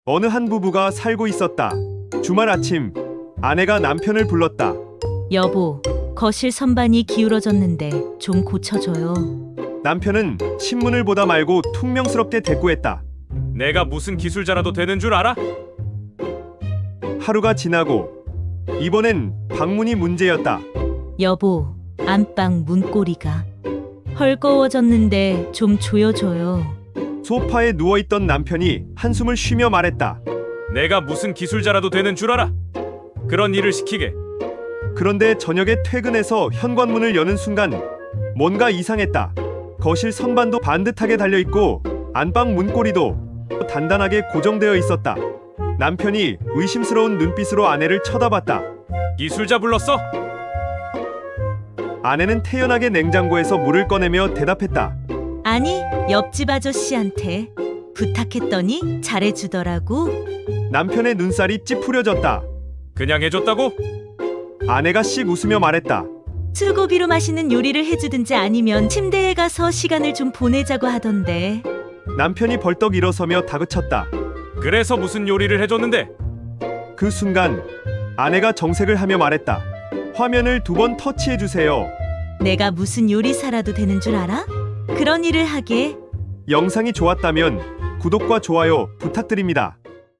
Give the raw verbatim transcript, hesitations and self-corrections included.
어느 한 부부가 살고 있었다. 주말 아침, 아내가 남편을 불렀다. 여보, 거실 선반이 기울어졌는데 좀 고쳐줘요. 남편은 신문을 보다 말고 퉁명스럽게 대꾸했다. 내가 무슨 기술자라도 되는 줄 알아? 하루가 지나고 이번엔 방문이 문제였다. 여보, 안방 문고리가 헐거워졌는데 좀 조여줘요. 소파에 누워있던 남편이 한숨을 쉬며 말했다. 내가 무슨 기술자라도 되는 줄 알아? 그런 일을 시키게. 그런데 저녁에 퇴근해서 현관문을 여는 순간 뭔가 이상했다. 거실 선반도 반듯하게 달려있고 안방 문고리도 단단하게 고정되어 있었다. 남편이 의심스러운 눈빛으로 아내를 쳐다봤다. 기술자 불렀어? 아내는 태연하게 냉장고에서 물을 꺼내며 대답했다. 아니, 옆집 아저씨한테 부탁했더니 잘해주더라고. 남편의 눈살이 찌푸려졌다. 그냥 해줬다고? 아내가 씩 웃으며 말했다. 술고비로 맛있는 요리를 해주든지 아니면 침대에 가서 시간을 좀 보내자고 하던데. 남편이 벌떡 일어서며 다그쳤다. 그래서 무슨 요리를 해줬는데? 그 순간 아내가 정색을 하며 말했다. 화면을 두 번 터치해주세요. 내가 무슨 요리사라도 되는 줄 알아? 그런 일을 하게. 영상이 좋았다면 구독과 좋아요 부탁드립니다.